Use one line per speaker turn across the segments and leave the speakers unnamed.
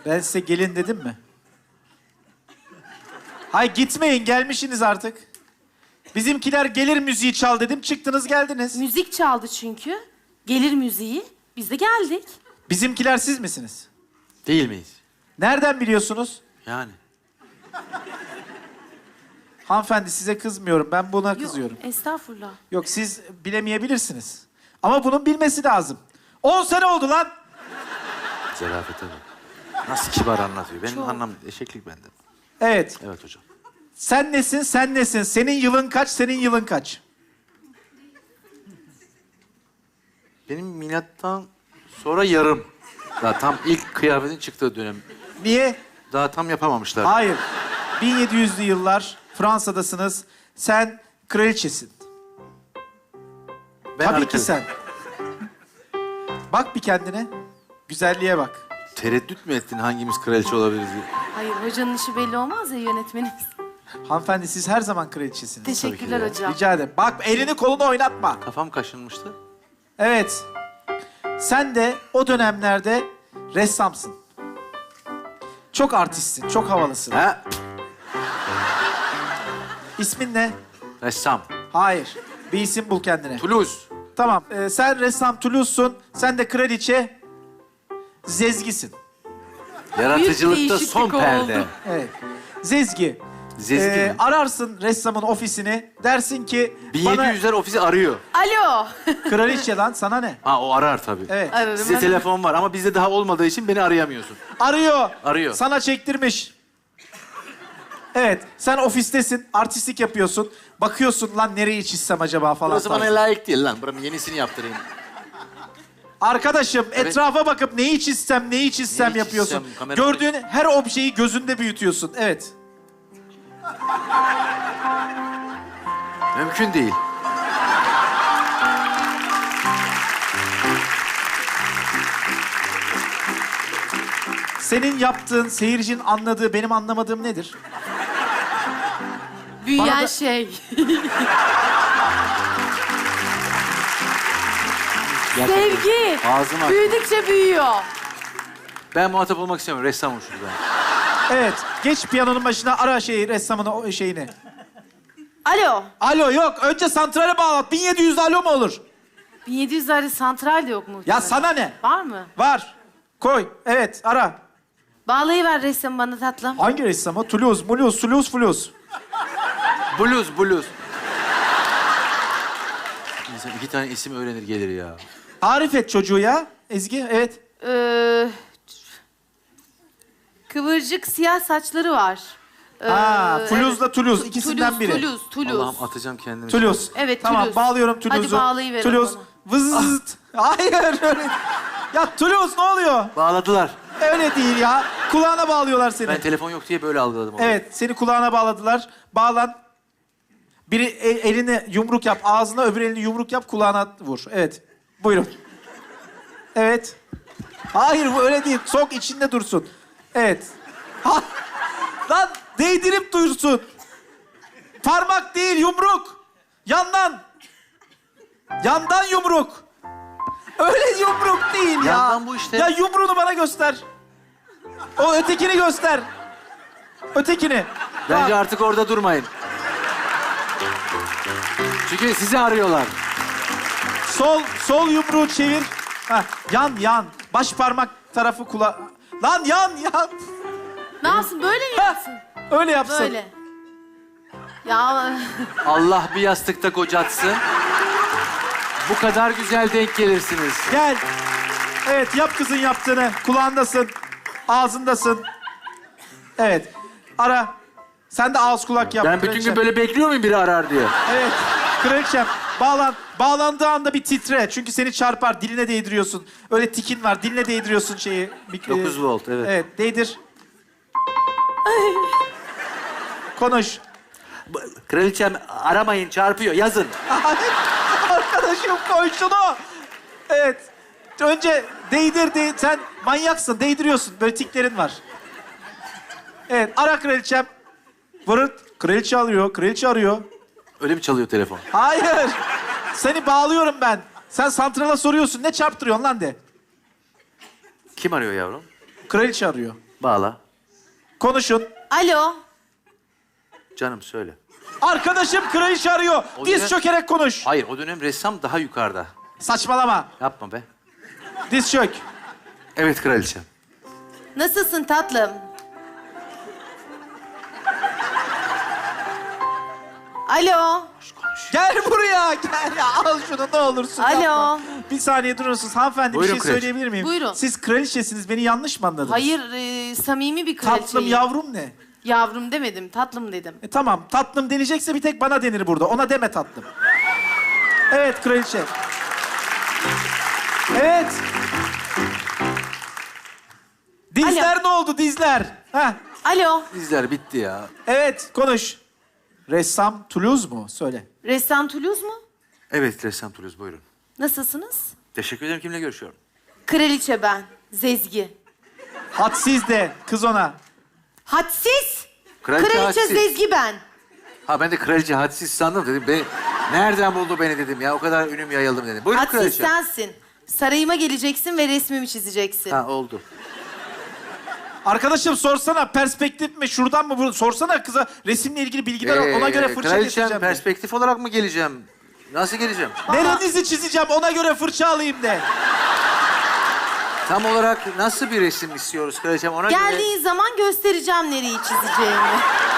Ben size gelin dedim mi? Hay gitmeyin, gelmişsiniz artık. Bizimkiler gelir müziği çal dedim, çıktınız geldiniz.
Müzik çaldı çünkü. Gelir müziği. Biz de geldik.
Bizimkiler siz misiniz?
Değil miyiz?
Nereden biliyorsunuz?
Yani.
Hanımefendi size kızmıyorum, ben buna kızıyorum.
Yok, estağfurullah.
Yok, siz bilemeyebilirsiniz. Ama bunun bilmesi lazım. 10 sene oldu lan.
Zarafete bak. Nasıl kibar anlatıyor. Benim
Çok.
anlam eşeklik bende.
Evet.
Evet hocam.
Sen nesin, sen nesin? Senin yılın kaç, senin yılın kaç?
Benim milattan sonra yarım. Daha tam ilk kıyafetin çıktığı dönem.
Niye?
Daha tam yapamamışlar.
Hayır. 1700'lü yıllar, Fransa'dasınız. Sen kraliçesin.
Ben
Tabii ki
arkadaşım.
sen. Bak bir kendine. Güzelliğe bak.
Tereddüt mü ettin hangimiz kraliçe olabiliriz diye?
Hayır, hocanın işi belli olmaz ya, yönetmenimiz.
Hanımefendi siz her zaman kraliçesiniz.
Teşekkürler
ya.
hocam.
Rica ederim. Bak elini kolunu oynatma.
Kafam kaşınmıştı.
Evet. Sen de o dönemlerde ressamsın. Çok artistsin, çok havalısın.
Ha?
İsmin ne?
Ressam.
Hayır. Bir isim bul kendine.
Toulouse.
Tamam. Sen ressam Toulouse'sun. Sen de kraliçe Zezgi'sin.
Yaratıcılıkta
değişiklik
son perde.
oldu.
Evet. Zezgi.
Zezgi mi?
Ararsın ressamın ofisini. Dersin ki bana
1700'ler ofisi arıyor.
Alo.
kraliçe lan sana ne?
Ha o arar tabii.
Evet.
Evet,
Size
ben-
telefon var ama bizde daha olmadığı için beni arayamıyorsun.
Arıyor.
Arıyor.
Sana çektirmiş. Evet. Sen ofistesin. Artistlik yapıyorsun. Bakıyorsun lan nereyi çizsem acaba falan.
Burası bana
tarzı.
layık değil lan. Buranın yenisini yaptırayım.
Arkadaşım
Evet.
etrafa bakıp neyi çizsem
Neyi
yapıyorsun.
çizsem, kamera-
Gördüğün her objeyi gözünde büyütüyorsun. Evet.
Mümkün değil.
Senin yaptığın, seyircinin anladığı, benim anlamadığım nedir?
Büyüyen
Bana da-
şey.
Gerçekten.
Sevgi.
Ağzım aç.
Büyüdükçe büyüyor.
Ben muhatap olmak istemiyorum. Ressamım şurada.
Evet. Geç piyanonun başına ara ressamın o şeyini.
Alo.
Alo yok. Önce santrale bağlat. 1700 alo mu olur?
1700'lerde santral de yok mu?
Ya sana ne?
Var mı?
Var. Koy. Evet ara.
Bağlayıver ressamı bana tatlım.
Hangi ressam o? Toulouse, Mulhouse, Toulouse, Toulouse.
Blues. İnsan 2 tane isim öğrenir gelir ya.
Tarif et çocuğu ya. Ezgi, evet.
Kıvırcık siyah saçları var.
Toulouse'la Toulouse. ikisinden biri.
Toulouse.
Allah'ım atacağım kendimi.
Toulouse.
Evet,
Tamam,
Toulouse.
bağlıyorum
Hadi
Toulouse'u.
bağlayıverin
Toulouse.
bana.
Vızzt. Hayır öyle. Ya Toulouse ne oluyor?
Bağladılar.
Öyle değil ya. Kulağına bağlıyorlar seni.
Ben telefon yok diye böyle algıladım onu.
Evet, seni kulağına bağladılar. Bağlan. Biri elini yumruk yap ağzına, öbür elini yumruk yap kulağına vur. Evet. Buyurun. Evet. Hayır bu öyle değil. Sok içinde dursun. Evet. Ha. Lan değdirip dursun. Parmak değil yumruk. Yandan. Yandan yumruk. Öyle yumruk değil ya.
Yandan bu işte.
Ya yumruğunu bana göster. O ötekini göster. Ötekini.
Bence
Tamam.
artık orada durmayın. Çünkü sizi arıyorlar.
Sol yumruğu çevir. Ha, yan. Baş parmak tarafı Lan yan.
Ne yapsın? Böyle mi yapsın?
Öyle yapsın.
Böyle. Ya
Allah bir yastıkta kocatsın. Bu kadar güzel denk gelirsiniz.
Gel. Evet yap kızın yaptığını. Kulağındasın. Ağzındasın. Evet. Ara. Sen de ağız kulak yap.
Ben bütün
kraliçem.
gün böyle bekliyor muyum biri arar diye?
Evet. Kraliçem bağlan. Bağlandığı anda bir titre. Çünkü seni çarpar. Diline değdiriyorsun. Öyle tikin var. Diline değdiriyorsun şeyi.
9 volt, evet.
Evet. Değdir. Konuş.
Kraliçem aramayın çarpıyor yazın.
Arkadaşım koy şunu. Evet. Önce değdir. Sen manyaksın. Değdiriyorsun. Böyle tiklerin var. Evet. Ara kraliçem. Vırırt. Kraliçe alıyor. Kraliçe arıyor.
Öyle mi çalıyor telefon?
Hayır. Seni bağlıyorum ben. Sen santrala soruyorsun. Ne çarptırıyorsun lan de.
Kim arıyor yavrum?
Kraliçe arıyor.
Bağla.
Konuşun.
Alo.
Canım söyle.
Arkadaşım kraliçe arıyor.
O
Diz
dönem-
çökerek konuş.
Hayır, o dönem ressam daha yukarıda.
Saçmalama.
Yapma be.
Diz çök.
Evet kraliçem.
Nasılsın tatlım? Alo.
Gel buraya. Gel ya. Al şunu ne olursun.
Alo.
Yapma. Bir saniye durur musunuz? Hanımefendi
Buyurun
bir şey
kraliçe.
söyleyebilir miyim?
Buyurun.
Siz kraliçesiniz. Beni yanlış mı anladınız?
Hayır, samimi bir kraliçeyim.
Tatlım yavrum ne?
Yavrum demedim, tatlım dedim.
Tamam. Tatlım deneyecekse bir tek bana denir burada. Ona deme tatlım. Evet kraliçe. Evet. Dizler ne oldu dizler? Heh.
Alo.
Dizler bitti ya.
Evet konuş. Ressam Toulouse mu? Söyle.
Ressam Toulouse mu?
Evet ressam Toulouse buyurun.
Nasılsınız?
Teşekkür ederim. Kimle görüşüyorum?
Kraliçe ben, Zezgi.
Hadsiz de kız ona.
Hadsiz.
Kraliçe hadsiz.
Zezgi ben.
Ha ben de kraliçe hadsiz sandım dedim. Nereden buldu beni dedim ya. O kadar ünüm yayıldım dedim. Buyurun
Hadsiz
kraliçe.
sensin. Sarayıma geleceksin ve resmimi çizeceksin.
Ha oldu.
Arkadaşım sorsana perspektif mi şuradan mı bunu sorsana kıza resimle ilgili bilgiler al, ona göre fırça
Kraliçem
getireceğim. de.
perspektif olarak mı geleceğim? Nasıl geleceğim?
Nerenizi çizeceğim ona göre fırça alayım de.
Tam olarak nasıl bir resim istiyoruz kraliçem? Ona göre...
Geldiğin zaman göstereceğim nereyi çizeceğimi.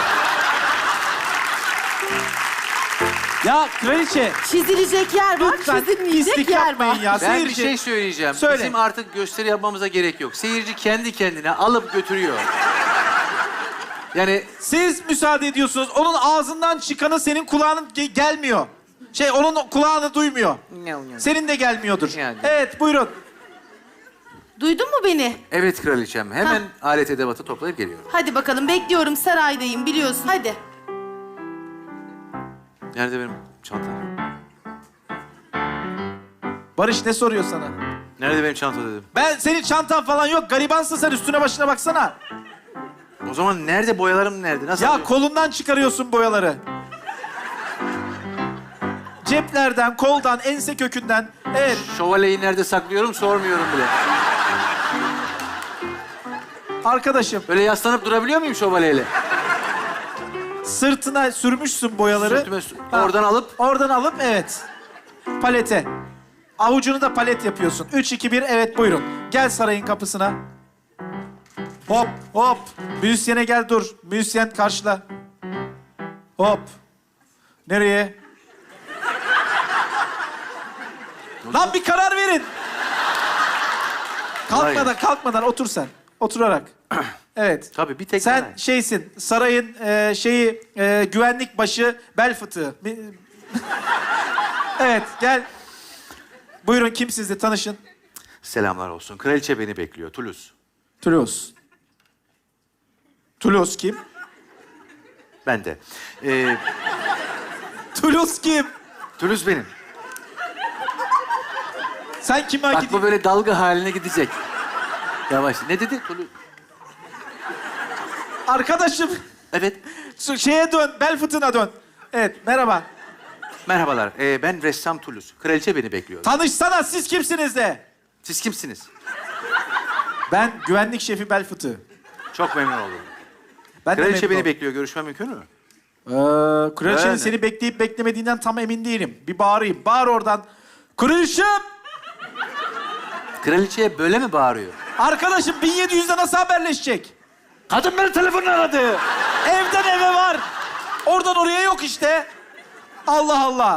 Ya kraliçe
Çizilecek yer var,
lütfen
çizilmeyecek
pislik
yer var.
yapmayın ya.
Ben
Seyirci.
bir şey söyleyeceğim.
Söyle.
Bizim artık gösteri yapmamıza gerek yok. Seyirci kendi kendine alıp götürüyor. Yani
Siz müsaade ediyorsunuz. Onun ağzından çıkanı senin kulağının gelmiyor. Onun kulağını duymuyor. Senin de gelmiyordur.
Yani.
Evet buyurun.
Duydun mu beni?
evet kraliçem. Hemen alet edevatı toplayıp geliyorum.
Hadi bakalım, bekliyorum, saraydayım biliyorsun. Hadi.
Nerede benim çantam?
Barış ne soruyor sana?
Nerede benim çanta dedim.
Ben senin çantan falan yok. Garibansın sen üstüne başına baksana.
O zaman nerede boyalarım nerede? Nasıl
Ya
alıyorum?
kolundan çıkarıyorsun boyaları. Ceplerden, koldan, ense kökünden. Evet.
Şövalyeyi nerede saklıyorum sormuyorum bile.
Arkadaşım
Böyle yaslanıp durabiliyor muyum şövalyeyle?
sırtına sürmüşsün boyaları.
Sırtıma oradan alıp
Oradan alıp evet. Palete. Avucunu da palet yapıyorsun. 3, 2, 1 evet buyurun. Gel sarayın kapısına. Hop hop. Müzisyene gel dur. Müzisyen karşıla. Hop. Nereye? Lan bir karar verin. Kalkmadan otur sen. Oturarak. Evet.
Tabii, bir tek
sen
ben.
şeysin. Sarayın güvenlik başı bel fıtığı. Evet gel. Buyurun kim sizle tanışın.
selamlar olsun. Kraliçe beni bekliyor. Toulouse.
Toulouse. Toulouse kim?
Ben de.
Toulouse kim?
Toulouse benim.
Sen kime
Bak bu
gidiyorsun?
böyle dalga haline gidecek. Yavaş. Ne dedi? Toulouse.
Arkadaşım
Evet.
şeye dön, bel fıtığına dön. Evet merhaba.
Merhabalar. Ben ressam Toulouse. Kraliçe beni bekliyor.
Tanışsana siz kimsiniz de?
Siz kimsiniz?
Ben güvenlik şefi bel fıtığı.
Çok memnun oldum.
Ben de
Kraliçe
memnun
beni
oldum.
bekliyor. Görüşme mümkün mü?
Kraliçenin
Yani.
seni bekleyip beklemediğinden tam emin değilim. Bir bağırayım. Bağır oradan. Kraliçem!
Kraliçeye böyle mi bağırıyor?
Arkadaşım 1700'de nasıl haberleşecek?
Kadın beni telefonla aradı.
Evden eve var. Oradan oraya yok işte. Allah Allah.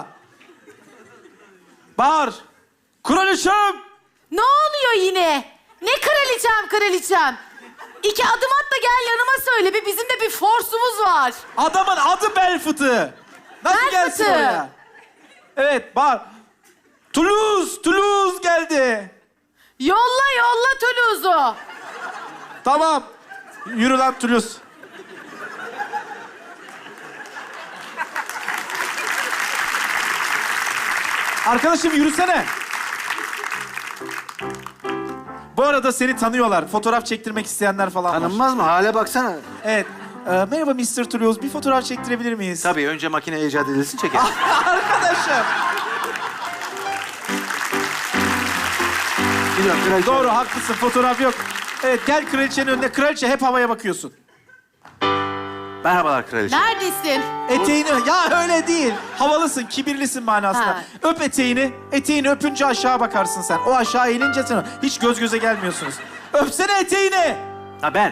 Bağır. Kraliçem!
Ne oluyor yine? Ne kraliçem? 2 adım at da gel yanıma söyle. Bizim de bir forsumuz var.
Adamın adı bel fıtığı. Nasıl
Bel
gelsin
fıtığı.
oraya? Evet bağır. Toulouse geldi.
Yolla Toulouse'u.
Tamam. Yürü lan Toulouse. Arkadaşım yürüsene. Bu arada seni tanıyorlar. Fotoğraf çektirmek isteyenler falan var.
Tanınmaz mı? Hale baksana.
Evet. Merhaba Mr. Toulouse. Bir fotoğraf çektirebilir miyiz?
Tabii önce makine icat edilsin çekelim.
Arkadaşım.
Biliyorum kraliçe.
Doğru haklısın. Fotoğraf yok. Evet, gel kraliçenin önüne. Kraliçe hep havaya bakıyorsun.
Merhabalar kraliçem.
Neredesin?
Eteğini... Ya öyle değil. Havalısın, kibirlisin manasında.
Ha.
Öp eteğini. Eteğini öpünce aşağı bakarsın sen. O aşağı eğilince sen hiç göz göze gelmiyorsunuz. Öpsene eteğini.
Ha ben.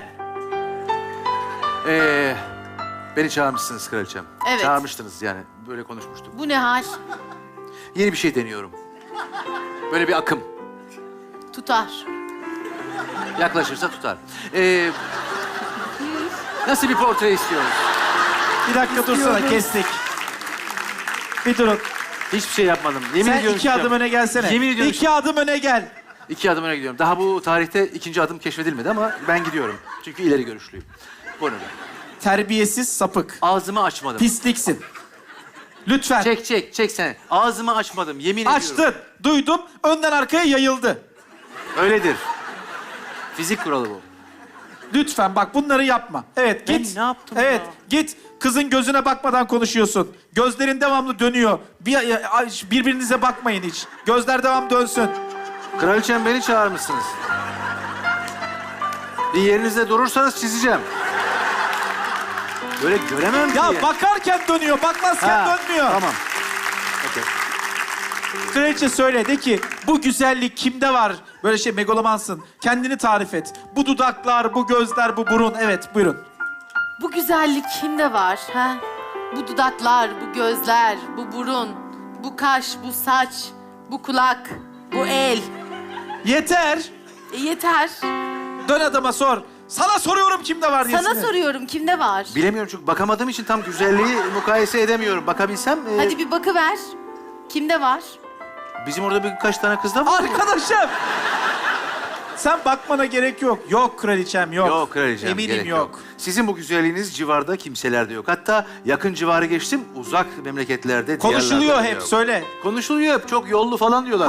Beni çağırmışsınız kraliçem.
Evet.
Çağırmıştınız yani. Böyle konuşmuştuk.
Bu ne hal?
Yeni bir şey deniyorum. Böyle bir akım.
Tutar.
Yaklaşırsa tutar. Nasıl bir portre istiyoruz?
Bir dakika dursana, kestik. Bir durun.
Hiçbir şey yapmadım. Yemin
Sen
ediyorum.
iki adım öne gelsene.
Yemin ediyorum.
İki adım öne gel.
2 adım öne gidiyorum. Daha bu tarihte 2. adım keşfedilmedi ama ben gidiyorum. Çünkü ileri görüşlüyüm. Buyurun.
Terbiyesiz sapık.
Ağzımı açmadım.
Pisliksin. Lütfen.
Çek sen. Ağzımı açmadım. Yemin ediyorum.
Açtın. Duydum. Önden arkaya yayıldı.
Öyledir. Fizik kuralı bu.
Lütfen bak bunları yapma. Evet
Ben
git.
ne yaptım
Evet
ya?
git. Kızın gözüne bakmadan konuşuyorsun. Gözlerin devamlı dönüyor. Birbirinize bakmayın hiç. Gözler devam dönsün.
Kraliçem beni çağırmışsınız. Bir yerinizde durursanız çizeceğim. Böyle göremem ki.
Ya bakarken dönüyor. Bakmazken dönmüyor.
Tamam. Okey.
Kraliçe söyle de ki bu güzellik kimde var? Böyle şey megalomansın. Kendini tarif et. Bu dudaklar, bu gözler, bu burun. Evet buyurun.
Bu güzellik kimde var? Ha? Bu dudaklar, bu gözler, bu burun, bu kaş, bu saç, bu kulak, bu el.
Yeter.
Yeter.
Dön adama sor. Sana soruyorum kimde var diye.
Sana soruyorum kimde var?
Bilemiyorum çünkü bakamadığım için tam güzelliği mukayese edemiyorum. Bakabilsem...
Hadi bir bakıver. Kimde var?
Bizim orada birkaç tane kız da var.
Arkadaşım. Sen bakmana gerek yok. Yok kraliçem yok.
Yok kraliçem,
Eminim
gerek
yok.
Sizin bu güzelliğiniz civarda kimselerde yok. Hatta yakın civarı geçtim, uzak memleketlerde,
Konuşuluyor
diyarlarda
hep
yok.
söyle.
Konuşuluyor hep, çok yollu falan diyorlar.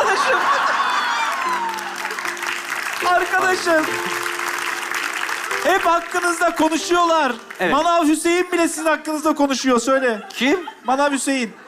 Arkadaşım. Hep hakkınızda konuşuyorlar.
Evet.
Manav Hüseyin bile sizin hakkınızda konuşuyor söyle.
Kim?
Manav Hüseyin.